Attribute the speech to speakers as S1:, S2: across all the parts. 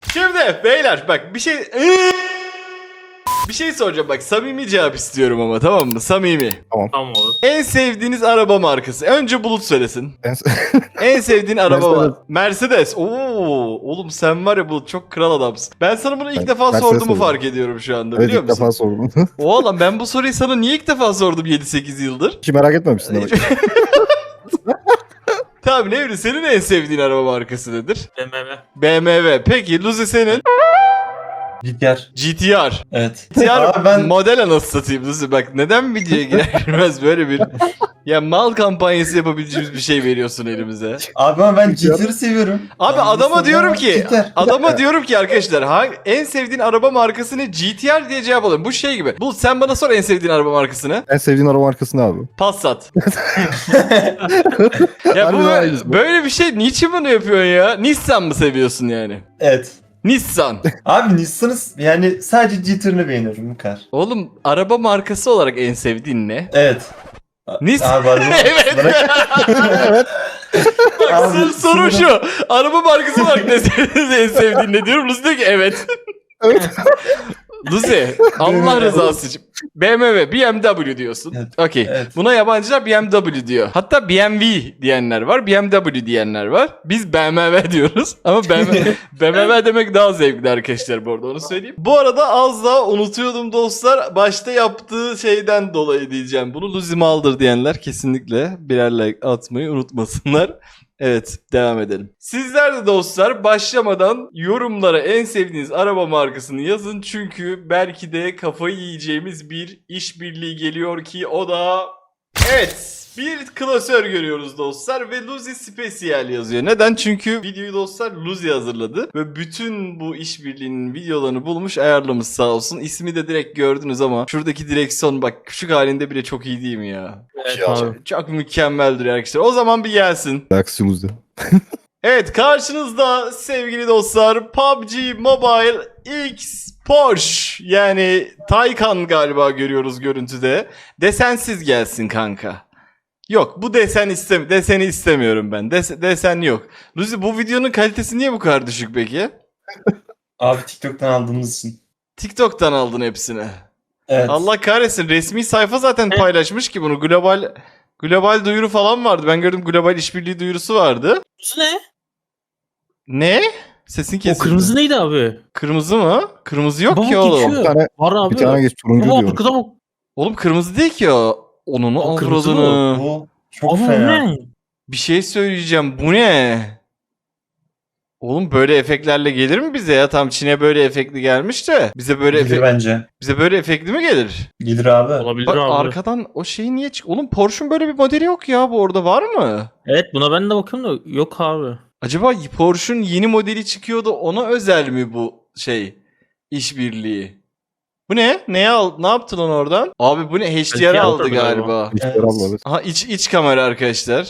S1: Şimdi beyler bak bir şey soracağım bak, samimi cevap istiyorum ama, tamam mı? Samimi.
S2: Tamam olur.
S1: En sevdiğiniz araba markası. Önce Bulut söylesin. En sevdiğin araba var. Mercedes. Oo, oğlum sen var ya Bulut, çok kral adamsın. Ben sana bunu ilk defa
S3: Mercedes
S1: sorduğumu
S3: oldum.
S1: fark ediyorum şu anda,
S3: Evet,
S1: biliyor
S3: ilk
S1: musun?
S3: defa sordum.
S1: Oğlum ben bu soruyu sana niye ilk defa sordum 7-8 yıldır?
S3: Hiç merak etmemişsin demek.
S1: Tamam Nevri, senin en sevdiğin araba markası nedir?
S2: BMW.
S1: BMW. Peki Luzi senin?
S4: GTR.
S1: GTR.
S4: Evet.
S1: GTR
S4: Abi ben
S1: model anası satayım Luzi, bak neden videoya girer girmez böyle bir ya mal kampanyası yapabileceğimiz bir şey veriyorsun elimize.
S4: ama ben GTR'ı seviyorum.
S1: Abi
S4: Ben
S1: adama
S4: seviyorum
S1: diyorum
S4: ama
S1: ki
S4: GTR.
S1: adama diyorum ki arkadaşlar en sevdiğin araba markasını GTR diye cevap alıyorum. Bu şey gibi. Bu sen bana sor en sevdiğin araba markasını.
S3: En sevdiğin araba markası ne abi?
S1: Passat. Ya bu
S3: Harbiden aynısı.
S1: böyle bir şey niçin bunu yapıyorsun ya? Nissan mı seviyorsun yani?
S4: Evet.
S1: Nissan.
S4: Abi Nissan'ı yani sadece GTR'ını beğeniyorum bu kadar.
S1: Oğlum araba markası olarak en sevdiğin ne?
S4: Evet.
S1: Nissan.
S4: Abi araba
S1: Evet.
S3: Evet.
S1: Bak
S4: Abi,
S1: soru şu. Araba markası olarak en sevdiğin ne diyorum? Lucy diyor ki evet.
S3: Evet.
S1: Lucy Allah rızası için. BMW, BMW diyorsun.
S4: Evet.
S1: Okey.
S4: Evet.
S1: Buna yabancılar BMW diyor. Hatta BMW diyenler var, BMW diyenler var. Biz BMW diyoruz ama BMW demek daha zevkli arkadaşlar, bu arada onu söyleyeyim. Bu arada az daha unutuyordum dostlar. Başta yaptığı şeyden dolayı diyeceğim. Bunu Lucy Maldır diyenler kesinlikle birer like atmayı unutmasınlar. Evet, devam edelim. Sizler de dostlar başlamadan yorumlara en sevdiğiniz araba markasını yazın. Çünkü belki de kafayı yiyeceğimiz bir işbirliği geliyor ki o da... Evet, bir klasör görüyoruz dostlar ve Luzi Special yazıyor. Neden? Çünkü videoyu dostlar Luzi hazırladı ve bütün bu işbirliğinin videolarını bulmuş, ayarlamış sağ olsun. İsmi de direkt gördünüz ama şuradaki direksiyon bak küçük halinde bile çok iyi değil mi ya?
S2: Evet
S3: Ya.
S2: abi.
S1: Çok mükemmeldir arkadaşlar. O zaman bir gelsin.
S3: Reaksiyonuzda.
S1: Evet, karşınızda sevgili dostlar PUBG Mobile X Porsche, yani Taycan galiba görüyoruz görüntüde. Desensiz gelsin kanka. Yok, bu deseni istemiyorum ben. Desen yok. Luzi, bu videonun kalitesi niye bu kadar düşük peki?
S4: Abi TikTok'tan aldığımız için.
S1: TikTok'tan aldın hepsini.
S4: Evet.
S1: Allah kahretsin, resmi sayfa zaten paylaşmış ki bunu. Global duyuru falan vardı. Ben gördüm, global işbirliği duyurusu vardı.
S2: Kırmızı ne?
S1: Ne? Sesin
S2: O
S1: kesildi.
S2: kırmızı neydi abi?
S1: Kırmızı mı? Kırmızı yok
S2: Bak
S1: ki oğlum.
S2: geçiyor.
S3: Bir tane,
S2: Var abi.
S3: bir tane geç turuncu
S2: Baba
S3: diyor.
S2: arkada bak.
S1: Oğlum kırmızı değil ki o. Onun
S2: O kırmızı
S1: avradını.
S4: Bu çok
S2: Ama bu
S4: fena.
S2: ne?
S1: Bir şey söyleyeceğim. Bu ne? Oğlum böyle efektlerle gelir mi bize ya? Tam Çin'e böyle efektli gelmiş de bize böyle
S4: Gelir bence.
S1: bize böyle efektli mi gelir?
S4: Gelir abi.
S2: Olabilir
S1: Bak
S2: abi.
S1: arkadan o şeyi niye çık? Oğlum Porsche'un böyle bir modeli yok ya, bu arada var mı?
S2: Evet buna ben de bakıyorum da yok abi.
S1: Acaba Porsche'un yeni modeli çıkıyordu, ona özel mi bu işbirliği? Bu ne? Ne yaptın onu oradan? Abi bu ne? HDR
S2: HDR
S1: aldı
S2: tabii
S1: galiba.
S3: Hiç
S4: Evet.
S3: yaramıyor, evet.
S1: Aha iç kamera arkadaşlar.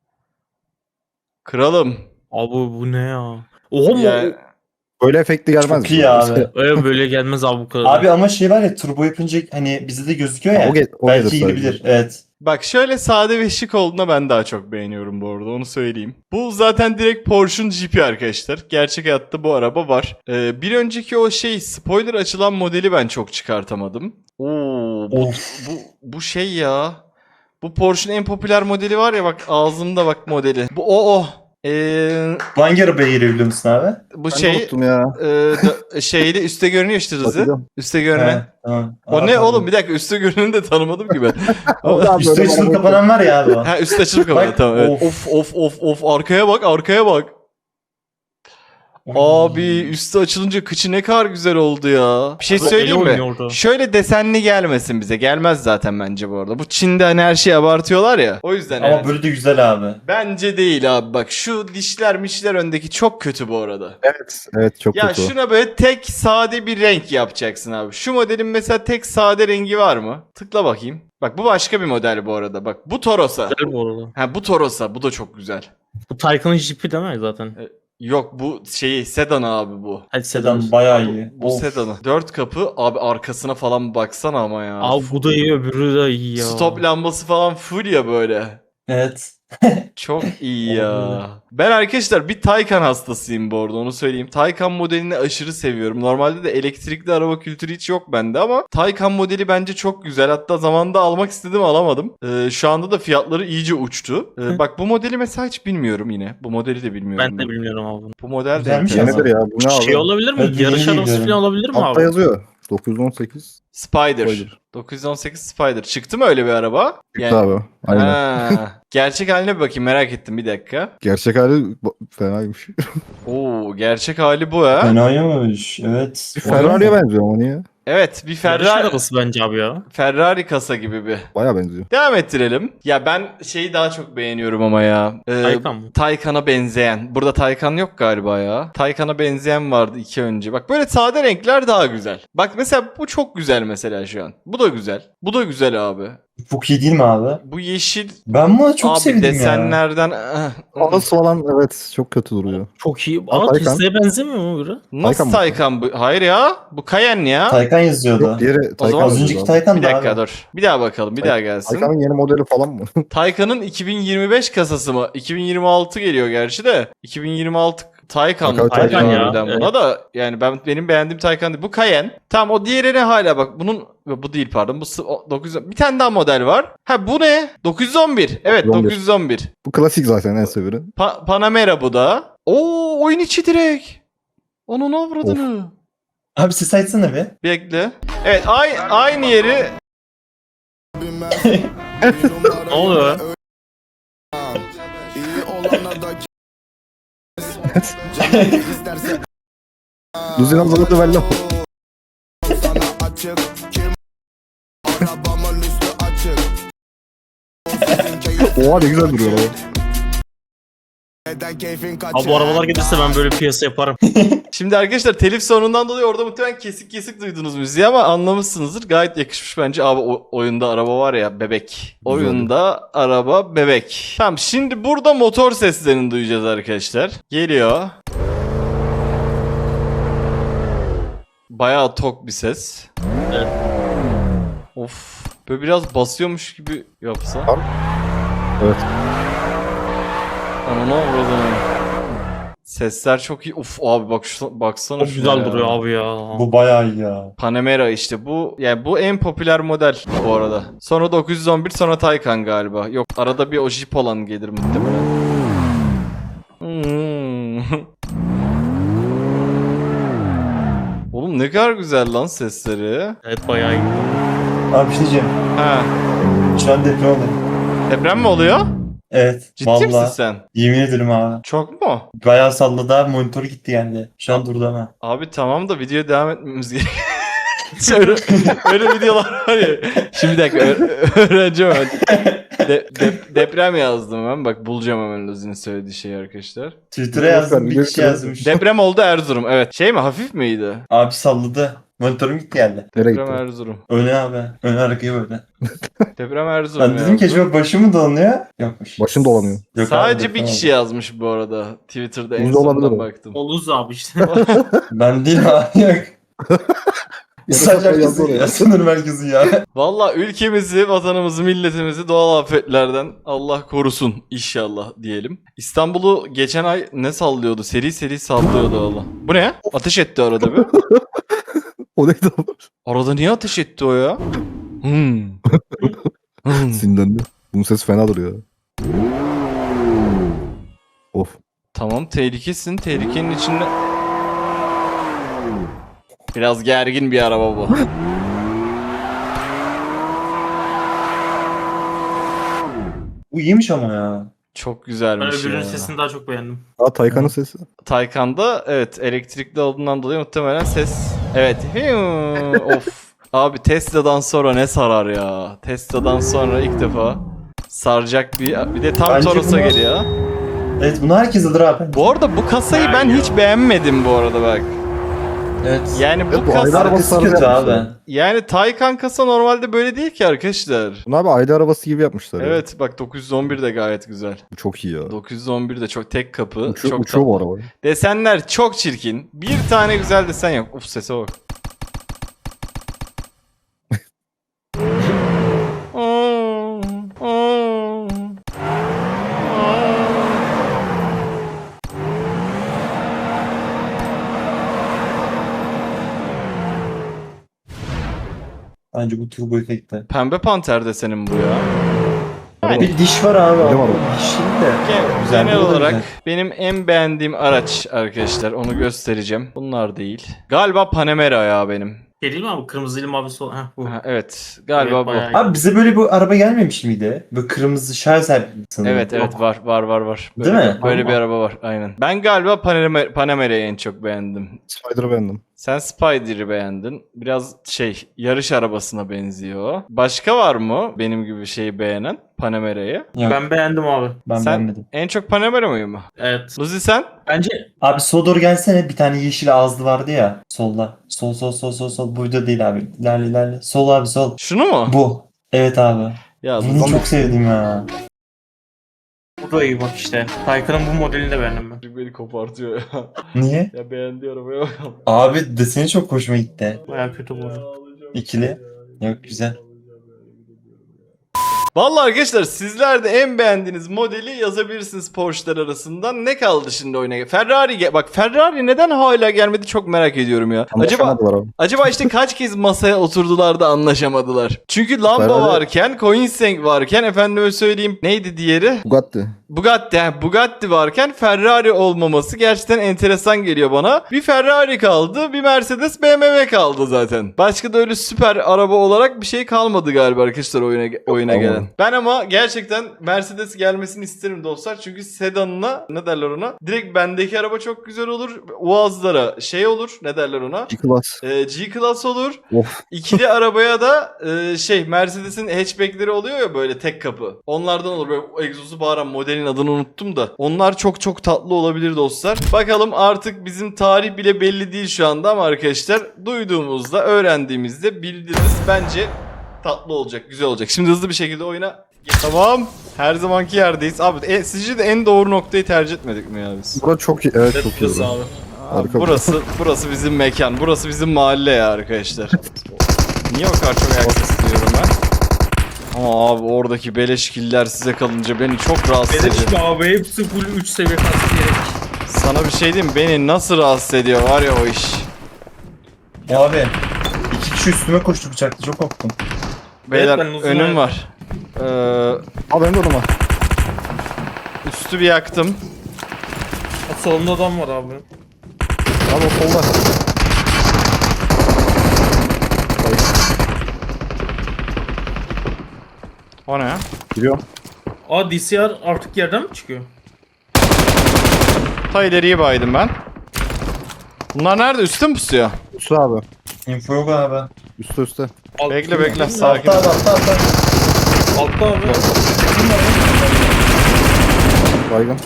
S1: Kralım.
S2: Abi bu ne ya? Oha
S1: Yani,
S2: mu?
S3: Böyle efektli gelmez.
S4: Çok iyi abi.
S2: Öyle böyle gelmez abi bu kadar.
S4: Abi ama şey var ya, turbo yapınca hani bize de gözüküyor ya.
S3: O
S4: belki
S3: gelir
S4: gidebilir.
S3: sadece.
S4: Evet.
S1: bak şöyle sade ve şık olduğuna ben daha çok beğeniyorum bu arada, onu söyleyeyim. Bu zaten direkt Porsche'un Jeep'i arkadaşlar. Gerçek hayatta bu araba var. Bir önceki o spoiler açılan modeli ben çok çıkartamadım. Oo, bu şey ya. Bu Porsche'un en popüler modeli var ya, bak ağzımda bak modeli. Bu o.
S4: Bu hangi arabaya giriyor biliyor musun abi?
S1: Bu
S3: Ben de unuttum ya.
S1: şeyde üstte görünüyor işte Rızı.
S3: Bakacağım.
S1: Üstte görünen.
S4: He, tamam.
S1: O
S4: Aa,
S1: ne
S4: pardon.
S1: oğlum, bir dakika, üstte görüneni de tanımadım ki ben.
S3: O da
S4: Üstü
S3: böyle
S4: açılıp
S3: araba-
S4: kapanan var ya abi o.
S1: Ha, üstte açılıp kapalı,
S4: Bak,
S1: tamam evet. Of arkaya bak. Abi üstü açılınca kıçı ne kadar güzel oldu ya. Bir şey
S2: Abi,
S1: söyleyeyim
S2: eli
S1: mi?
S2: oynuyor orada.
S1: Şöyle desenli gelmesin bize. Gelmez zaten bence bu arada. Bu Çin'de hani her şeyi abartıyorlar ya. O yüzden
S4: Ama
S1: evet.
S4: böyle de güzel abi.
S1: Bence değil abi, bak şu dişler öndeki çok kötü bu arada.
S3: Evet çok
S1: Ya
S3: kötü o.
S1: şuna böyle tek sade bir renk yapacaksın abi. Şu modelin mesela tek sade rengi var mı? Tıkla bakayım. Bak bu başka bir model bu arada. Bak bu Toros'a.
S2: Güzel bu arada.
S1: Ha bu Toros'a. Bu da çok güzel.
S2: Bu Taycan'ın jipi değil mi zaten?
S1: Yok bu sedan abi bu.
S2: Hadi sedan.
S4: Sedan bayağı iyi.
S1: Bu
S4: Of.
S1: sedanı. 4 kapı abi, arkasına falan baksana ama ya.
S2: Abi bu da iyi öbürü de iyi ya.
S1: Stop lambası falan full ya böyle.
S4: Evet.
S1: Çok iyi ya. Ben arkadaşlar bir Taycan hastasıyım bu arada, onu söyleyeyim. Taycan modelini aşırı seviyorum. Normalde de elektrikli araba kültürü hiç yok bende ama Taycan modeli bence çok güzel. Hatta zamanında almak istedim, alamadım. Şu anda da fiyatları iyice uçtu. Bak bu modeli mesela hiç bilmiyorum yine. Bu modeli de bilmiyorum.
S2: Ben de bilmiyorum abi bunu.
S1: Bu model de
S4: Güzelmiş
S1: enteresan.
S3: Yenidir ya. Bu ne abi?
S2: Şey olabilir mi?
S4: Evet,
S2: Yarış
S4: yeni
S2: arabası
S4: biliyorum.
S2: falan olabilir mi
S3: Altta
S2: abi?
S3: yazıyor. 918.
S1: Spider.
S3: Spider.
S1: 918 Spider. Çıktı mı öyle bir araba?
S3: Çıktı abi. Aynen.
S1: Ha, gerçek haline bir bakayım, merak ettim, bir dakika.
S3: Gerçek hali fenaymış.
S1: Oo, gerçek hali bu ha.
S4: Fenaymış. Evet.
S3: Bir Ferrari'ye benziyor ama niye?
S1: Evet, bir
S2: Yarış
S1: Ferrari,
S2: arabası bence abi ya.
S1: Ferrari kasa gibi bir.
S3: Baya benziyor.
S1: Devam ettirelim. Ya ben şeyi daha çok beğeniyorum ama ya.
S2: Taycan mı?
S1: Taycan'a benzeyen. Burada Taycan yok galiba ya. Taycan'a benzeyen vardı 2 önce. Bak böyle sade renkler daha güzel. Bak mesela bu çok güzel mesela şu an. Bu da güzel. Bu da güzel abi.
S4: Çok iyi değil mi abi?
S1: Bu yeşil
S4: Ben bunu çok
S1: abi
S4: sevdim ya.
S1: desenlerden...
S3: Ağız falan evet çok kötü duruyor.
S2: Çok iyi.
S3: Aa,
S2: Aa,
S3: Taycan.
S2: Tesla'ya benzemiyor mu biri?
S1: Nasıl
S3: Taycan mı?
S1: Taycan bu? Hayır ya. Bu Cayenne ya.
S4: Taycan yazıyordu.
S3: Yok diğeri
S1: O
S3: Taycan.
S1: zaman
S4: Az önceki Taycan
S1: Bir
S4: da
S1: dakika
S4: abi.
S1: dur. Bir daha bakalım. Bir daha gelsin.
S3: Taycan'ın yeni modeli falan mı?
S1: Taycan'ın 2025 kasası mı? 2026 geliyor gerçi de. 2026 Taycan
S3: Bakalım
S2: Taycan
S1: Taycan
S2: ya.
S1: harbiden buna da, yani benim beğendiğim Taycan değil. Bu Cayenne. Tamam, o diğeri ne hala bak. Bu değil pardon. Bu 900, bir tane daha model var. Ha bu ne? 911. Evet
S3: 911.
S1: 911.
S3: Bu klasik zaten en severi.
S1: Panamera bu da. Oo, oyun içi direkt. Onun avradını.
S4: Abi ses açsana bir.
S1: Bekle. Evet aynı yeri.
S2: Ne oluyor?
S3: Düzgün hazırladı belli. Oha ne güzel duruyor araba.
S2: Abi bu arabalar gelirse ben böyle piyasa yaparım.
S1: Şimdi arkadaşlar telif sorunundan dolayı orada muhtemelen kesik kesik duydunuz müziği ama anlamışsınızdır. Gayet yakışmış bence. Abi oyunda araba var ya, bebek. Oyunda araba bebek. Tamam, şimdi burada motor seslerini duyacağız arkadaşlar. Geliyor. Bayağı tok bir ses.
S2: Evet.
S1: Of. Böyle biraz basıyormuş gibi yapsa.
S3: Evet.
S1: Ananı avradını. Sesler çok iyi. Uf abi bak baksana
S2: Çok
S1: şuna
S2: güzel
S1: ya.
S2: duruyor abi ya.
S4: Bu bayağı iyi ya.
S1: Panamera işte bu, yani bu en popüler model bu arada. Sonra 911, sonra Taycan galiba. Yok, arada bir o Jeep olan gelir muhtemelen. Oğlum ne kadar güzel lan sesleri.
S2: Evet bayağı iyi.
S4: Abi bir şey diyeceğim.
S1: Ha,
S4: Şu an deprem oluyor.
S1: deprem mi oluyor?
S4: Evet.
S1: Ciddi misin
S4: Vallahi.
S1: sen?
S4: Yemin ederim abi.
S1: Çok mu?
S4: Bayağı salladı abi. Monitör gitti yani. Şu an durdu ama.
S1: Abi tamam da videoya devam etmemiz gerekiyor. öyle videolar var ya. Şimdi bir dakika öğreneceğim hemen. Deprem yazdım ben. Bak bulacağım hemen Luzi'nin söylediği şeyi arkadaşlar.
S4: Twitter'a yazdım, bir kişi yazmış.
S1: Deprem oldu Erzurum. Evet. Şey mi, hafif miydi?
S4: Abi salladı. Monitörüm gitti yani.
S3: Nereye
S1: Deprem
S3: gitti?
S1: Erzurum.
S4: Öne abi. Öne arkaya böyle.
S1: Deprem Erzurum
S4: Ben dedim ki
S1: yazdım.
S4: acaba başım mı dolanıyor? Yokmuş.
S3: Başım dolanıyor.
S4: Yok
S1: Sadece
S4: abi,
S1: bir
S4: deprem
S1: kişi yazmış bu arada. Twitter'da en
S3: Bunda olabilir
S1: sonundan
S3: o.
S1: baktım.
S2: Oluz abi işte.
S4: oldu. Ben değil abi yok. Sadece herkesin ya. Sınır merkezi ya.
S1: Valla ülkemizi, vatanımızı, milletimizi doğal afetlerden Allah korusun inşallah diyelim. İstanbul'u geçen ay ne sallıyordu? Seri seri sallıyordu valla. Bu ne? Ateş etti arada bir.
S3: O neydi abi?
S1: Arada niye ateş etti o ya?
S3: Sinirlendi. Bunun sesi fena duruyor. Of.
S1: Tamam, tehlikesin. Tehlikenin içinde... Biraz gergin bir araba bu.
S4: Bu iyiymiş ama ya.
S1: Çok
S2: Ben
S1: güzelmiş
S2: öbürünün
S1: ya.
S2: sesini daha çok beğendim.
S3: Aa Taycan'ın sesi.
S1: Taycan'da evet elektrikli olduğundan dolayı muhtemelen ses... Evet. Of. Abi Tesla'dan sonra ne sarar ya. Tesla'dan sonra ilk defa saracak bir de tam
S4: Bence
S1: Toros'a
S4: bunlar-
S1: geliyor.
S4: Evet bunu herkes alır abi.
S1: Bu arada bu kasayı ben hiç beğenmedim bu arada bak.
S4: Evet.
S1: Yani bu
S3: Evet, bu
S1: kasa...
S3: aylar-
S4: Arkası
S3: arabası
S4: kötü
S3: yapmışlar.
S4: abi.
S1: Yani Taycan kasa normalde böyle değil ki arkadaşlar.
S3: Bunu abi aile arabası gibi yapmışlar. ya.
S1: Evet bak 911 de gayet güzel.
S3: Bu çok iyi ya.
S1: 911 de çok tek kapı.
S3: Uçuyor,
S1: çok
S3: uçuyor bu
S1: tatlı.
S3: araba.
S1: Desenler çok çirkin. Bir tane güzel desen yok. Uf sese bak.
S4: Bence bu turbo efekti.
S1: Pembe panter desenin bu ya. Yani
S4: Bir diş var abi.
S3: Biliyorum
S4: ama
S3: abi.
S4: Dişli de. Güzel,
S1: genel
S4: bu da
S1: olarak
S4: güzel.
S1: benim en beğendiğim araç arkadaşlar. Onu göstereceğim. Bunlar değil. Galiba Panamera ya benim.
S2: Şey değil mi abi? Kırmızıyla mavi sol. Heh bu.
S1: Ha, evet. Galiba
S2: Evet,
S1: bu.
S2: bayağı iyi.
S4: Abi bize böyle bir araba gelmemiş miydi? Böyle kırmızı şarj sanırım.
S1: Evet evet var. Böyle,
S4: Değil mi?
S1: Böyle bir
S2: Allah.
S1: araba var aynen. Ben galiba Panamera'yı en çok beğendim.
S3: Spider'ı beğendim.
S1: Sen Spider'ı beğendin. Biraz yarış arabasına benziyor. Başka var mı benim gibi şeyi beğenen Panamera'yı?
S4: Yok,
S2: Ben beğendim abi.
S4: ben
S1: Sen
S4: beğenmedim.
S1: en çok Panamera mıyım?
S2: Evet.
S1: Luzi sen?
S2: Bence
S4: Abi sola doğru gelsene, bir tane yeşil ağızlı vardı ya. Solda. Sol. Burada değil abi. İlerle. Sol abi sol.
S1: Şunu mu?
S4: Bu. Evet abi.
S1: Ya
S4: Bunu çok sevdim ya.
S2: bu da iyi bak işte. Taycan'ın bu modelini de beğendim ben.
S1: beni kopartıyor ya.
S4: Niye?
S1: Ya beğendi arabaya bakalım.
S4: Abi deseni çok hoşuma gitti.
S2: Bayağı kötü bu.
S4: İkili. Yok, güzel.
S1: Vallahi arkadaşlar sizler de en beğendiğiniz modeli yazabilirsiniz Porsche'lar arasından. Ne kaldı şimdi oyuna? Bak Ferrari neden hala gelmedi çok merak ediyorum ya.
S3: Anlaşamadılar abi.
S1: Acaba işte kaç kez masaya oturdular da anlaşamadılar. Çünkü Lambo
S3: Ferrari-
S1: varken, Koenigsegg varken, efendime söyleyeyim neydi diğeri?
S3: Bugatti.
S1: Bugatti varken Ferrari olmaması gerçekten enteresan geliyor bana. Bir Ferrari kaldı, bir Mercedes, BMW kaldı zaten. Başka da öyle süper araba olarak bir şey kalmadı galiba arkadaşlar oyuna
S3: Tamam.
S1: gelen. Ben ama gerçekten Mercedes gelmesini isterim dostlar. Çünkü sedanına ne derler ona? Direkt bendeki araba çok güzel olur. Uazlara olur. Ne derler ona?
S3: G-Class.
S1: G-Class olur.
S3: Of.
S1: İkili arabaya da Mercedes'in hatchback'leri oluyor ya böyle tek kapı. Onlardan olur böyle egzozu bağıran modelin adını unuttum da. Onlar çok çok tatlı olabilir dostlar. Bakalım artık bizim tarih bile belli değil şu anda ama arkadaşlar duyduğumuzda öğrendiğimizde bildiririz. Bence tatlı olacak, güzel olacak. Şimdi hızlı bir şekilde oyuna tamam. Her zamanki yerdeyiz. Abi sizce de en doğru noktayı tercih etmedik mi ya biz?
S3: Burası çok iyi. Evet çok iyi.
S2: Kız
S3: burası.
S2: abi.
S1: Abi
S3: Harika.
S1: burası bizim mekan. Burası bizim mahalle ya arkadaşlar. Niye o kadar çok ayak sesi duyuyorum ben? Ama abi oradaki beleş killer size kalınca beni çok rahatsız ediyor.
S2: Beleş abi hepsi full 3 seviye kastı gerek.
S1: Sana bir şey diyeyim mi? Beni nasıl rahatsız ediyor var ya o iş.
S4: Ya abi. 2 kişi üstüme koştu bıçakla, çok korktum.
S1: Beyler
S2: ben uzun
S1: önüm
S2: ayak-
S1: var.
S3: Abi benim de odama.
S1: Üstü bir yaktım.
S2: Solunda adam var abi.
S3: Abi o solda.
S1: O ne ya?
S3: Giriyor.
S2: Aa DCR artık yerden mi çıkıyor?
S1: Ta ileriye baydım ben. Bunlar nerede? Üstte mi pusuyor?
S3: Üstü abi.
S4: Info yok abi.
S3: Üstte.
S1: Bekle sakin.
S4: Altta.
S2: Altta abi.
S3: Baygın.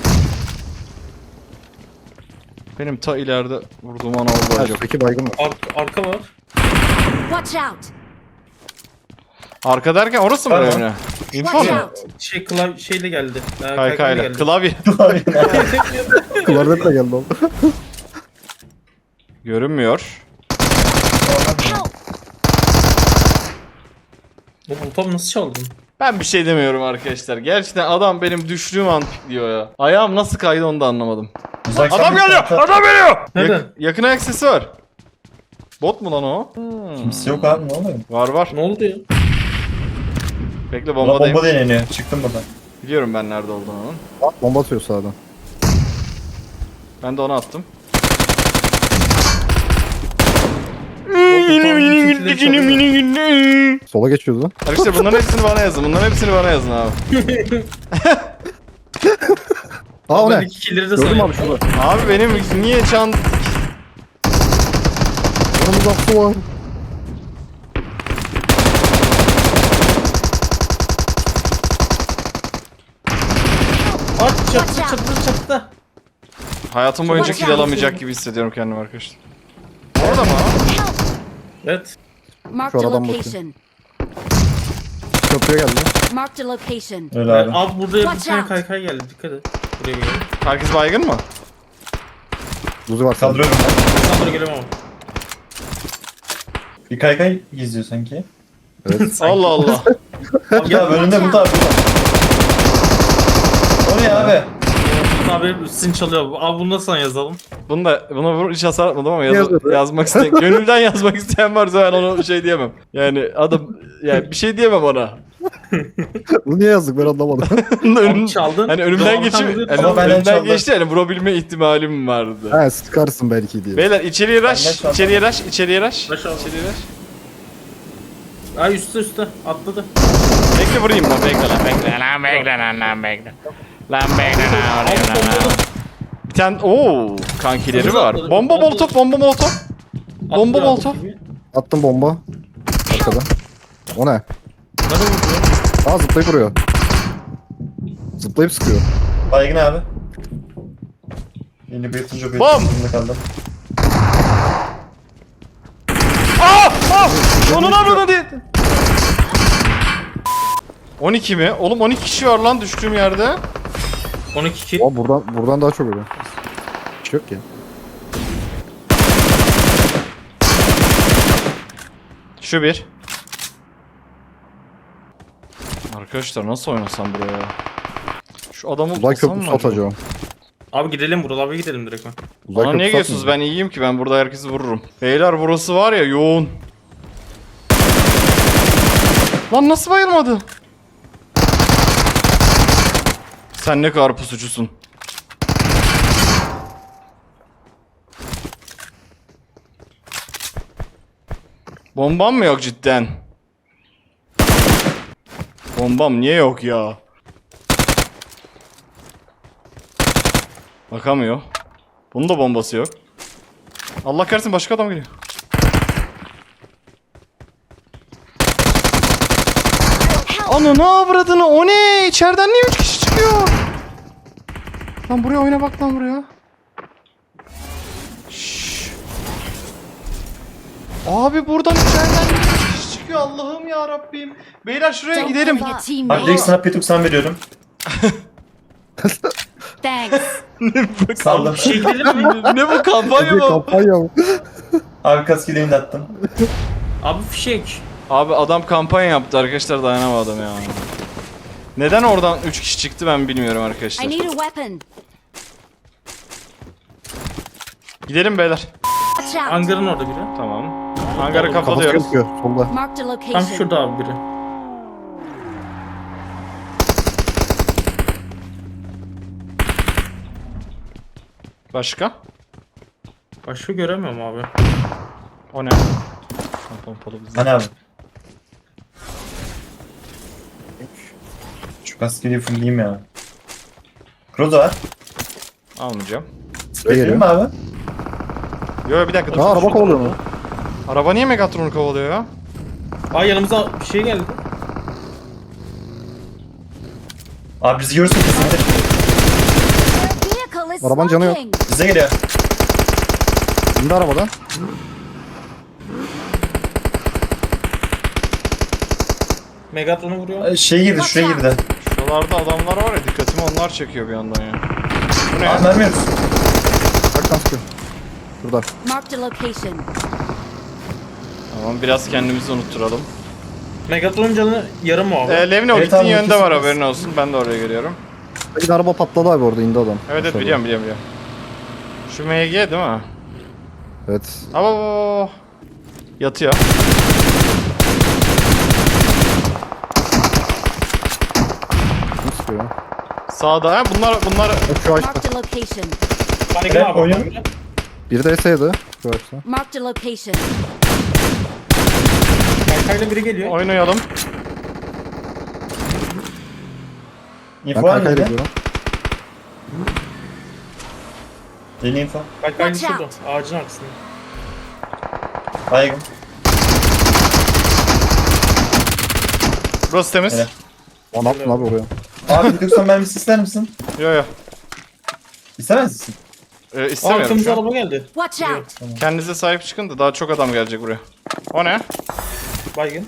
S1: Benim ta ileride vurduğum ana oldu acaba.
S3: Üstteki baygın var.
S2: Arka var.
S5: Watch out!
S1: Arka derken orası mı
S4: Tamam.
S1: önemli? Info
S5: Watch
S1: mu?
S5: out!
S2: Şeyle geldi.
S1: Kaykayla.
S2: geldi.
S1: Klavye.
S3: Kıvardet de geldi oğlum.
S1: Görünmüyor.
S5: Help!
S2: Bu tam nasıl çaldın?
S1: Ben bir şey demiyorum arkadaşlar. Gerçekten adam benim düştüğüm an pikliyor ya. Ayağım nasıl kaydı onu da anlamadım.
S4: Uzaktan
S1: Adam
S4: bir
S1: geliyor!
S4: tarafa-
S1: Adam geliyor!
S2: Nereden?
S1: Yakın ayak sesi var. Bot mu lan o?
S4: Kimse yok abi, ne oluyor?
S1: Var.
S2: Ne oldu ya?
S1: Bekle
S4: Bomba
S1: bombadayım.
S4: deneniyor. Çıktım buradan.
S1: Biliyorum ben nerede olduğunu onun.
S3: Bak, bomba atıyor sağdan.
S1: Ben de onu attım.
S3: Sola geçiyordu.
S1: Arkadaşlar bunların hepsini bana yazın. Bunların hepsini bana yazın abi.
S3: Aa o
S2: Ben
S3: ne?
S2: 2 killleri de
S3: Gördüm
S2: sayayım.
S3: abi şurada.
S1: Abi benim niye çant...
S3: Yanımızda su var.
S2: At çattı.
S1: Hayatım boyunca
S5: Watch
S1: kill
S5: out.
S1: alamayacak gibi hissediyorum kendimi arkadaşlar. Orada mı?
S5: Help!
S2: Evet.
S5: Marked a
S3: Şu adam bakıyor.
S5: location.
S3: Köprüye geldi.
S5: Marked a location.
S4: Öyle abi.
S2: Abi burada bir
S5: Watch
S2: tane
S5: out.
S2: kaykay geldi. Dikkat et. Buraya gelelim.
S1: Herkes baygın mı?
S3: Buzu var.
S4: Kaldırıyorum ben.
S2: Sen buraya gelemem ama.
S4: Bir kaykay geziyor sanki.
S3: Evet.
S1: Allah Allah.
S4: Ya önünde bu da. O ne abi?
S2: abi sizin çalıyor. Abi bunu da sana yazalım.
S1: Buna hiç hasar atmadım ama
S3: Yazıyor.
S1: yazmak isteyen, gönülden yazmak isteyen varsa ben ona bir şey diyemem. Yani adam, yani bir şey diyemem ona.
S3: Bunu niye yazdık ben anlamadım.
S2: Abi çaldın.
S1: Hani önümden
S2: Doğan
S1: geçip,
S2: tam
S1: hani
S4: Ama benden
S1: önümden
S4: çaldı.
S1: geçti, yani vurabilme ihtimalim vardı.
S3: He sıkarsın belki diye.
S1: Beyler içeriye
S4: Benden
S1: rush,
S4: çaldı.
S1: içeriye rush, içeriye rush.
S2: Rush abi.
S1: İçeriye rush.
S2: Ay üstte atladı.
S1: Bekle vurayım lan, bekle lan, bekle lan, bekle lan, bekle. Lan bekle lan,
S2: Abi
S1: oraya lan.
S2: bombalı.
S1: Bir tane, ooo kankileri
S2: Hızlı
S1: var.
S2: atladı.
S1: Bomba molotof, bomba molotof. Bomba
S2: Atlıyor abi
S1: molotof.
S2: gibi.
S3: Attım bomba. Arkada. O ne?
S2: Nerede vuruyor?
S3: Aa zıplayıp vuruyor. Zıplayıp sıkıyor.
S4: Baygın abi. Yeni bir yırtıcı bir
S1: Bam!
S4: yırtıcı kaldım.
S1: Onun abone değil. 12 mi? Oğlum 12 kişi var lan düştüğüm yerde.
S2: 12 kill.
S3: Aa buradan daha çok ölüyor. Hiç yok ya.
S1: Şu bir. Arkadaşlar nasıl oynasam buraya? Şu adamı
S3: Uzay
S1: bulsam mı
S3: köprüsü
S1: acaba?
S3: atacağım.
S2: Abi gidelim Vural abi gidelim direkt.
S3: Uzay
S1: Bana niye
S3: köprüsü
S1: geliyorsunuz? Ben iyiyim ki, ben burada herkesi vururum. Beyler burası var ya yoğun. Lan nasıl bayılmadı? Sen ne kadar pusucusun. Bombam mı yok cidden? Bombam niye yok ya? Bakamıyor. Bunun da bombası yok. Allah kahretsin başka adam geliyor. Ananı avradını, o ne? İçeriden niye 3 kişi çıkıyor? Lan buraya oyna bak lan buraya. Şşş. Abi buradan içeriden niye 3 kişi çıkıyor? Allah'ım ya Rabbim. Beyler şuraya
S5: Don't
S1: gidelim.
S5: give a
S4: Abi
S5: teammate.
S4: direkt sana P90 veriyorum.
S5: Thanks.
S4: Saldım.
S2: Bir şey gidelim mi?
S1: Ne bu kampanya
S3: Bir
S1: mı?
S3: kampanya mı?
S4: Abi kaskileyini de attım.
S2: Abi fişek.
S1: Abi adam kampanya yaptı arkadaşlar, dayanamadım ya. Neden oradan 3 kişi çıktı ben bilmiyorum arkadaşlar.
S5: I need a weapon.
S1: Gidelim beyler.
S5: Watch out.
S2: Hangarın orada biri.
S1: Tamam. Hangarı
S3: Kafası
S1: kapatıyoruz.
S3: gözüküyor solda.
S5: Marked a
S2: Tam
S5: location.
S2: şurada abi biri.
S1: Başka?
S2: Başka göremiyorum abi.
S1: O ne? Pompalı bizi.
S4: Hani abi. Şu kaskiliyi fullleyeyim ya. Krozo var.
S1: Almayacağım.
S4: Verelim mi abi?
S1: Yo bir dakika dur.
S3: Aa araba kovalıyor mu?
S1: Araba niye Megatron'u kovalıyor ya?
S2: Ay yanımıza bir şey geldi.
S4: Abi bizi görürsün kesinlikle.
S5: Their vehicle is
S3: Arabanın canı yok.
S5: smoking.
S4: Bize geliyor.
S3: İndi arabadan.
S2: Megatron'u vuruyor.
S4: Şey girdi, şuraya girdi.
S1: Şuralarda adamlar var ya, dikkatimi onlar çekiyor bir yandan ya. Bu ne?
S4: Abi mermi yok.
S3: Bak lan sıkıyor. Şurada.
S5: Marked a location.
S1: Tamam biraz kendimizi unutturalım.
S2: Megatron'un canı yarım mı abi?
S1: Levni o
S4: Evet
S1: gittiğin
S4: abi,
S1: yönde var,
S4: kesin.
S1: haberin olsun. Ben de oraya geliyorum.
S3: Bir araba patladı abi orada indi adam.
S1: Evet
S3: Aşağıda.
S1: biliyorum. Şu MG değil mi?
S3: Evet.
S1: Aba. Yatıyor.
S3: Kim sıkıyor ya?
S1: Sağda ha, bunlar
S3: Bak şu ağaçta.
S5: Marked a location.
S2: Baygın
S4: Evet,
S2: abi.
S4: oyun.
S3: Biri de S'ydi. Şu ağaçta.
S5: Marked a location.
S2: Kaykayla biri geliyor.
S1: oynayalım.
S3: Ben
S4: İnfo var
S3: kaykayla
S4: mıydı?
S3: gidiyorum.
S4: Yeni info.
S2: Kaykayla
S5: Watch
S2: şurada.
S5: out.
S2: Ağacın arkasında.
S4: Baygın.
S1: Burası temiz.
S4: Evet.
S3: O ne yaptın abi oraya?
S4: Abi P90 mermisi ister misin?
S1: Yo.
S4: İstemez misin?
S1: İstemiyorum
S2: Arkamıza
S1: şu an.
S2: araba geldi.
S5: Watch out.
S1: Kendinize sahip çıkın da daha çok adam gelecek buraya. O ne?
S2: Baygın.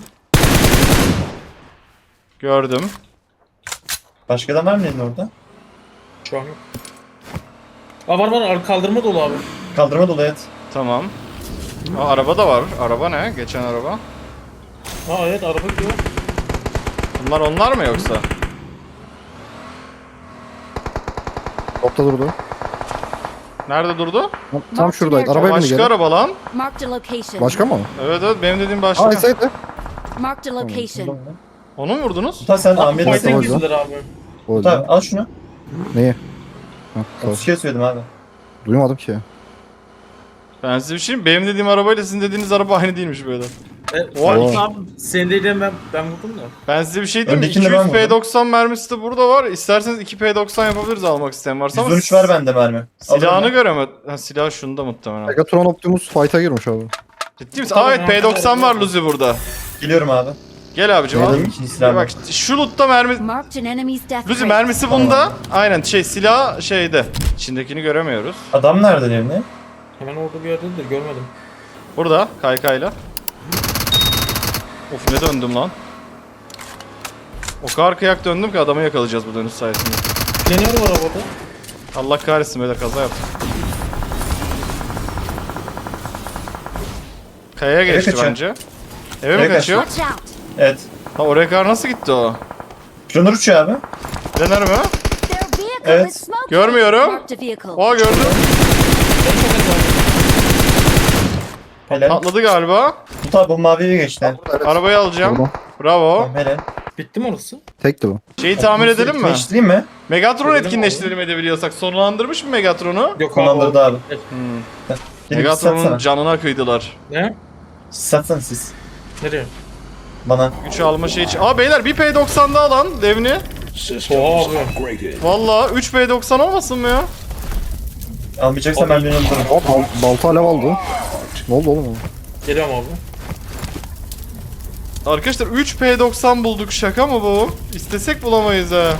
S1: Gördüm.
S4: Başka adam var mı elinde orada?
S2: Şu an yok. Aa var kaldırma dolu abi.
S4: Kaldırma dolu evet.
S1: Tamam. Aa, araba da var. Araba ne? Geçen araba.
S2: Aa evet araba gidiyor.
S1: Bunlar onlar mı yoksa?
S3: Dropta durdu.
S1: Nerede durdu?
S3: Tam şuradaydı. Arabaya bindi
S1: Başka
S3: geri.
S1: araba lan.
S5: Marked a location.
S3: Başka mı?
S1: Evet evet benim dediğim başka.
S3: Aa Esay'dı.
S5: Marked a location.
S1: Onu mu vurdunuz?
S4: Uta sen
S2: Abi
S4: Ahmet'e
S2: fight'e
S3: Tamam.
S2: girdiler abi.
S3: O
S4: Uta
S3: yüzden.
S4: al şunu.
S3: Neyi? Hah, sağ ol.
S4: 30 kere söyledim abi.
S3: Duymadım ki.
S1: Ben size bir şey diyeyim. Benim dediğim arabayla sizin dediğiniz araba aynı değilmiş böyle.
S3: Oo.
S2: Abi senin dediğin ben vurdum da.
S1: Ben size bir şey diyeyim mi?
S4: Öndekini
S1: 200
S4: ben vurdum.
S1: P90 mermisi de burada var. İsterseniz 2 P90 yapabiliriz almak isteyen varsa ama
S4: 113 var bende mermi.
S1: silahını
S4: Alırım
S1: göremez. Ha silah şunda muhtemelen.
S3: Megatron Optimus fight'a girmiş abi.
S1: Ciddi misin?
S2: Tamam,
S1: Aa evet P90 var Luzi burada.
S4: ben. Geliyorum abi.
S1: Gel abicim al.
S4: Gelelim ikinci silah.
S1: Bak şu lootta mermi...
S5: Marked an enemy's death
S1: Luzi
S5: rate.
S1: mermisi bunda. Aynen silah şeyde. İçindekini göremiyoruz.
S4: Adam nerede evine?
S2: Hemen orada bir yerdedir görmedim.
S1: Burada kaykayla. Of ne döndüm lan. O kadar kıyak döndüm ki adamı yakalayacağız bu dönüş sayesinde.
S2: Planör var arabada.
S1: Allah kahretsin böyle kaza yaptım. Kayaya geçti
S4: kaçıyor.
S1: bence. Eve mi
S4: Eve
S1: kaçıyor?
S5: Watch out.
S4: Evet.
S1: Ha oraya kadar nasıl gitti o?
S4: Planör uçuyor abi.
S1: Dener mi?
S5: Their vehicle
S4: Evet.
S5: is smoking.
S1: Görmüyorum.
S5: Marked a vehicle.
S1: Oha gördüm.
S4: Helal.
S1: Patladı galiba.
S4: Uta bu maviye geçti.
S3: Evet.
S1: Arabayı alacağım.
S3: Tamam.
S1: Bravo.
S4: Tamam helal.
S2: Bitti mi orası?
S3: Tekti bu.
S1: Şeyi tamir edelim mi?
S4: Değiştireyim mi?
S1: Megatron
S2: Edelim
S1: etkinleştirelim edebiliyorsak. Sonlandırmış mı Megatron'u?
S2: Yok
S4: Kullandırdı abi.
S1: Hmm.
S4: Gelip
S1: Megatron'un
S4: satsana.
S1: canına kıydılar.
S2: Ne?
S4: Satsana siz.
S2: Nereye?
S4: Bana.
S1: Güç alma şey için. Aa beyler bir P90 daha lan devni.
S2: Oha abi.
S1: Valla 3 P90 olmasın mı ya?
S4: Almayacaksan ben beni alırım.
S3: Hop balta alev aldı. Ne oldu oğlum?
S2: Geliyorum abi.
S1: Arkadaşlar 3 P90 bulduk, şaka mı bu? İstesek bulamayız ha.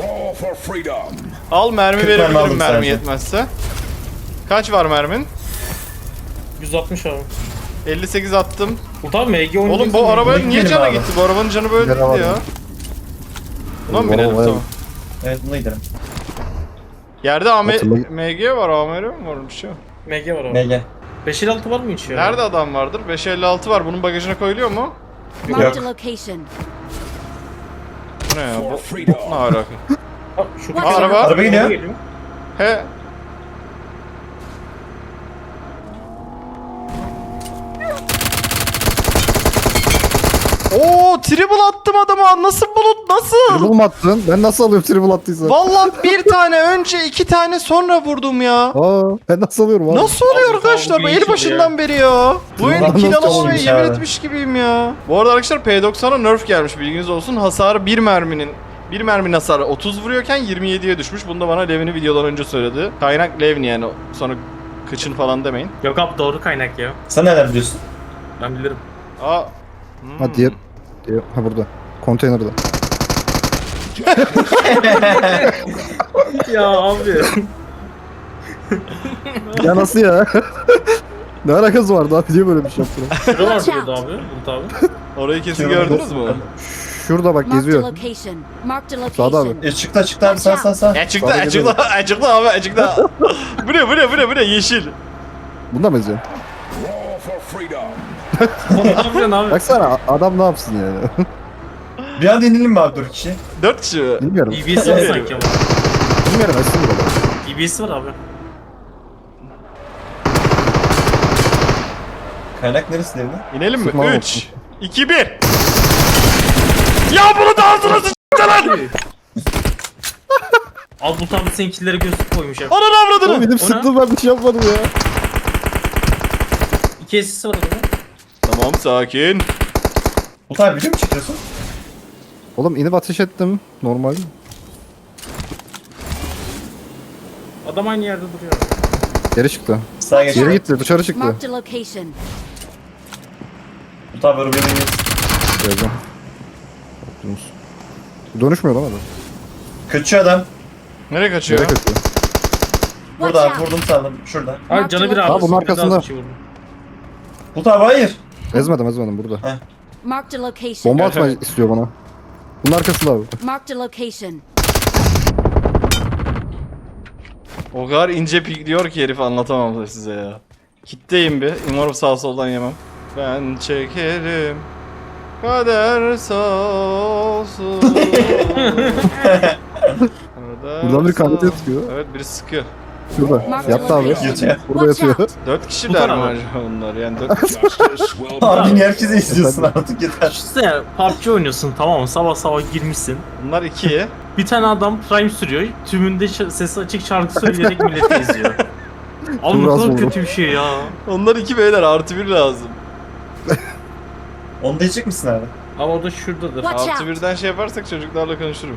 S1: Al mermi
S4: 40 mermi
S1: verebilirim
S4: aldım
S1: mermi
S4: sadece.
S1: yetmezse. Kaç var mermin?
S2: 160 abi.
S1: 58 attım.
S2: Ulan MG oynayacaksın.
S1: Oğlum bu arabaya
S4: Benim
S1: niye canı
S4: abi.
S1: gitti? Bu arabanın canı böyle
S3: Gene
S1: değildi
S3: var
S1: ya.
S3: ya.
S1: Buna mı
S3: Vay
S1: binelim
S3: vay.
S1: tamam.
S4: Evet buna gidelim.
S1: Yerde
S3: Hatırlayın.
S1: MG var, AMR mi var bir şey?
S2: MG var abi.
S4: Gel gel.
S2: 556 var mı hiç ya?
S1: Nerede adam vardır? 556 var. Bunun bagajına koyuluyor mu?
S5: Marked a location.
S1: Bu ne ya? Bu ne alaka?
S2: Ha, şu
S5: Aa,
S1: araba.
S4: Araba geliyor.
S1: He. Oo, triple attım adama. Nasıl bulut? Nasıl?
S3: Triple mı attın? Ben nasıl alıyorum triple attıysa?
S1: Vallahi bir tane önce 2 tane sonra vurdum ya.
S3: Aa, ben nasıl alıyorum abi?
S1: Nasıl oluyor
S2: Abi,
S1: arkadaşlar?
S2: bu
S1: Bu
S2: bir
S1: el
S2: iş
S1: başından beri ya. Bu oyunu
S3: Nasıl
S1: kill alamamaya
S4: olmuş
S1: yemin
S4: abi?
S1: etmiş gibiyim ya. Bu arada arkadaşlar P90'a nerf gelmiş, bilginiz olsun. Hasarı bir merminin hasarı 30 vuruyorken 27'ye düşmüş. Bunu da bana Levni videodan önce söyledi. Kaynak Levni yani, sonra kıçın falan demeyin.
S2: Yok abi doğru kaynak ya.
S4: Sen neler biliyorsun?
S2: Ben bilirim.
S1: Aa.
S3: Ha diğer. Ha burada. Konteynerde.
S2: Ya abi.
S3: Ya nasıl ya? Ne alakası vardı abi? Niye böyle bir şey yaptılar?
S2: Şurada var
S5: Watch
S2: burada
S5: out.
S2: abi. Bulut abi.
S1: Orayı kesin
S4: Şurada
S1: gördünüz mü?
S3: Şurada bak
S5: Marked a
S3: geziyor.
S5: location. Marked a
S3: Sağda abi.
S5: location.
S4: Çıktı abi sağ.
S1: Açıkta
S3: Sonra
S1: açıkta açıkta abi açıkta. Bu ne yeşil.
S3: Bunda mı eziyor?
S2: Ne yapıyorsun abi?
S3: Baksana adam ne yapsın yani?
S4: Bir an inelim mi abi 4 kişi?
S1: 4 kişi mi?
S3: Bilmiyorum.
S2: EBS var sanki ama.
S3: Bilmiyorum aslında burada.
S2: EBS var abi.
S4: Kaynak neresi devre?
S1: İnelim mi?
S3: Sıkma
S1: 3 2 1. Ya bunu da ağzına sıçtı lan.
S2: Al Bulut abi seninkileri gözlük koymuş ya.
S1: Ananı
S3: Oğlum
S1: avradını.
S3: benim sıktım ben bir şey yapmadım ya.
S2: 2 assist var adamın.
S1: Tamam sakin.
S4: Uta abi biliyor musun çıkıyorsun?
S3: Oğlum inip ateş ettim. Normal.
S2: Adam aynı yerde duruyor.
S3: Geri çıktı.
S4: Sağa geç.
S3: Geri gitti dışarı çıktı.
S5: Marked a location.
S4: Uta abi arabaya bineceğiz.
S3: Geleceğim. Optimus. Dönüşmüyor lan adam.
S4: Kaçıyor adam.
S1: Nereye kaçıyor?
S3: Nereye kaçıyor?
S4: Burada
S5: Watch
S4: abi
S5: out.
S4: vurdum sağlam. Şurada.
S2: Abi canı bir abi.
S3: Aa, bunun
S2: bir daha
S3: arkasında.
S2: bir şey vurdu.
S4: Uta abi hayır.
S5: Marked
S3: Ezmedim burada.
S5: a location.
S3: Bomba atma istiyor bana. Bunun arkasında abi.
S5: Marked a location.
S1: O kadar ince pikliyor ki herif, anlatamam size ya. Kitleyim bir. Umarım sağ soldan yemem. Ben çekerim. Kader sağ olsun. Burada
S3: Buradan bir kanete yatıyor.
S1: Evet, biri sıkıyor.
S3: Şurada.
S5: Marked a
S3: Yattı abi.
S5: location.
S3: Burada
S5: Watch
S3: yatıyor.
S5: out.
S1: 4 kişiler
S2: Tutar
S1: mi
S2: abi.
S1: acaba onlar? Yani 4
S4: Abi niye herkese izliyorsun artık yeter.
S2: Düşünsene PUBG oynuyorsun, tamam mı? Sabah sabah girmişsin.
S1: Bunlar 2.
S2: Bir tane adam Prime sürüyor. Tümünde sesi açık şarkı söyleyerek milleti izliyor. Abi ne
S3: Çok az
S2: kadar
S3: oldu.
S2: kötü bir şey ya.
S1: Onlar 2 beyler, artı 1 lazım.
S4: Onu diyecek misin abi?
S2: Ama o da şuradadır.
S5: Watch
S1: Artı
S5: out.
S1: 1'den şey yaparsak çocuklarla konuşurum.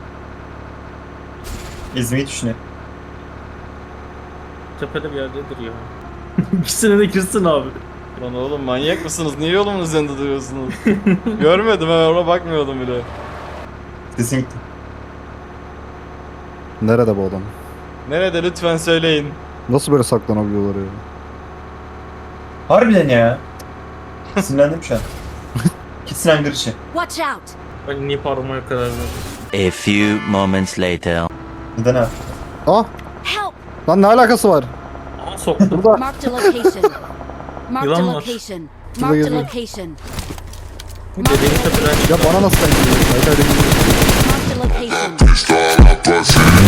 S4: İzmeyi düşünüyor.
S2: Tepede bir yerdedir ya. İkisine de girsin abi.
S1: Lan oğlum manyak mısınız? Niye yolumun üzerinde duruyorsunuz? Görmedim, ben ona bakmıyordum bile.
S4: Sesin gitti.
S3: Nerede bu adam?
S1: Nerede lütfen söyleyin.
S3: Nasıl böyle saklanabiliyorlar ya?
S4: Harbiden ya. Sinirlendim şu an. Gitsin hangar işi.
S5: Watch out.
S2: Ben niye parmaya karar verdim?
S6: A few moments later.
S4: Neden abi?
S3: Ah!
S5: Help.
S3: Lan ne alakası var?
S2: Aa soktu.
S3: Burada.
S5: Marked a location. Marked a
S2: Yılan var.
S5: location.
S3: Şurada
S5: Marked a
S3: geziyor.
S5: location.
S2: Dediğin tepeden
S3: Ya bana nasıl denk geliyor? Hayır, hayır.
S5: Marked a location.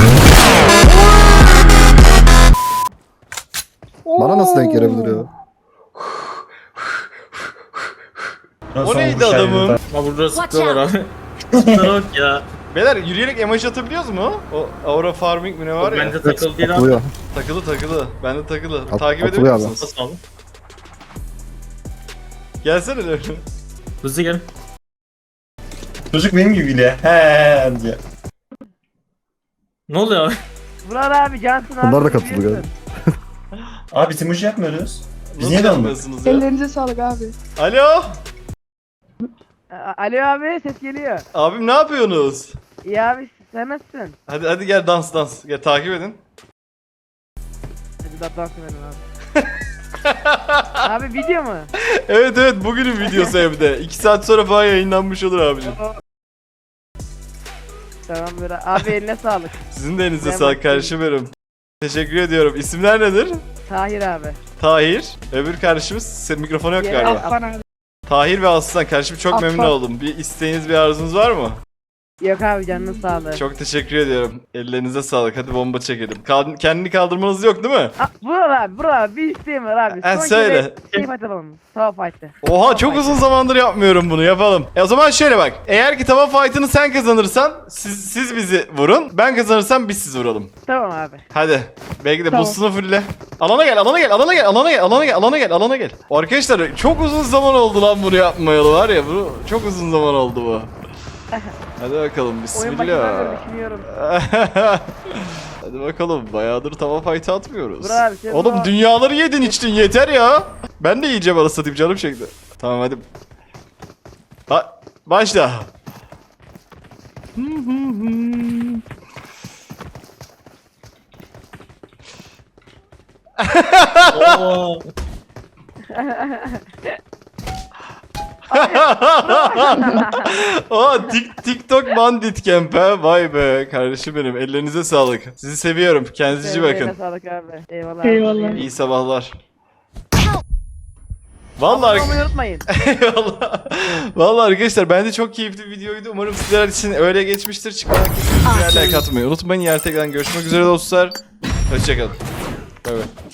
S3: Bana nasıl denk gelebilir ya?
S1: O neydi adamın?
S2: Ama burada
S5: Watch
S2: sıkıyorlar abi. Şunlara bak ya.
S1: Beyler yürüyerek emoji atabiliyoruz mu? O Aura Farming mi ne var ya?
S2: Bence takıl değil abi.
S3: Atılıyor.
S1: Takılı. Bende takılı.
S3: At-
S1: Takip
S3: atılıyor
S1: edebiliyor
S3: abi.
S1: musunuz?
S2: Nasıl abi?
S1: Gelsene öyle.
S2: Hızlı gel.
S4: Çocuk benim gibi gülüyor. He diye.
S2: Ne oluyor abi?
S7: Burak abi Cansın abi.
S3: Bunlar da katıldı
S7: biliyorsun.
S3: galiba.
S4: Abi biz emoji yapmıyoruz. Biz
S1: Nasıl
S4: niye dalmadık?
S1: yapmıyorsunuz ya?
S7: Ellerinize sağlık abi.
S1: Alo?
S7: Alo abi ses geliyor.
S1: Abim ne yapıyorsunuz?
S7: İyi abi sen nasılsın?
S1: Hadi gel dans. Gel takip edin.
S7: Hadi dans edelim abi. Abi video mu?
S1: Evet bugünün videosu hem de. 2 saat sonra falan yayınlanmış olur abicim.
S7: Tamam Burak abi eline sağlık.
S1: Sizin de elinize
S7: Ben
S1: sağlık
S7: bakayım.
S1: kardeşim benim. Teşekkür ediyorum. İsimler nedir?
S7: Tahir abi.
S1: Tahir. Öbür kardeşimiz mikrofonu yok
S7: Diğeri
S1: galiba.
S7: Affan abi.
S1: Tahir ve Aslan kardeşim çok
S7: Affan.
S1: memnun oldum. Bir isteğiniz bir arzunuz var mı?
S7: Yok abi canının sağlığı.
S1: Çok teşekkür ediyorum. Ellerinize sağlık. Hadi bomba çekelim. Kendini kaldırmanız yok değil mi?
S7: Burak abi bir isteğim var abi.
S1: Ha,
S7: Son
S1: söyle.
S7: kere fight yapalım. Tava fight'ı.
S1: Oha çok uzun zamandır yapmıyorum bunu. Yapalım. O zaman şöyle bak. Eğer ki tava fight'ını sen kazanırsan siz bizi vurun. Ben kazanırsam biz sizi vuralım.
S7: Tamam abi.
S1: Hadi. Belki de
S7: Tamam.
S1: boostunu fulle. Alana gel. Arkadaşlar çok uzun zaman oldu lan bunu yapmayalı var ya. Bu çok uzun zaman oldu bu. Hadi bakalım
S7: Oyun başından beri
S1: bismillah.
S7: düşünüyorum.
S1: Hadi bakalım bayağıdır tava fight atmıyoruz.
S7: Dur abi, sen
S1: Oğlum
S7: bu-
S1: dünyaları yedin içtin yeter ya. Ben de yiyeceğim arası satayım canım çekti. Tamam hadi. Başla.
S2: Oo.
S1: TikTok bandit camp ha. Vay be kardeşim benim. Ellerinize sağlık. Sizi seviyorum. Kendinize iyi
S7: Eline
S1: bakın.
S7: sağlık abi. Eyvallah.
S5: Eyvallah.
S1: İyi sabahlar. Vallahi
S7: Abone olmayı unutmayın.
S1: Eyvallah. Vallahi arkadaşlar bence çok keyifli bir videoydu. Umarım sizler için öyle geçmiştir. Çıkmadan kesinlikle like atmayı unutmayın. Yarın tekrar görüşmek üzere dostlar. Hoşçakalın. Bay bay.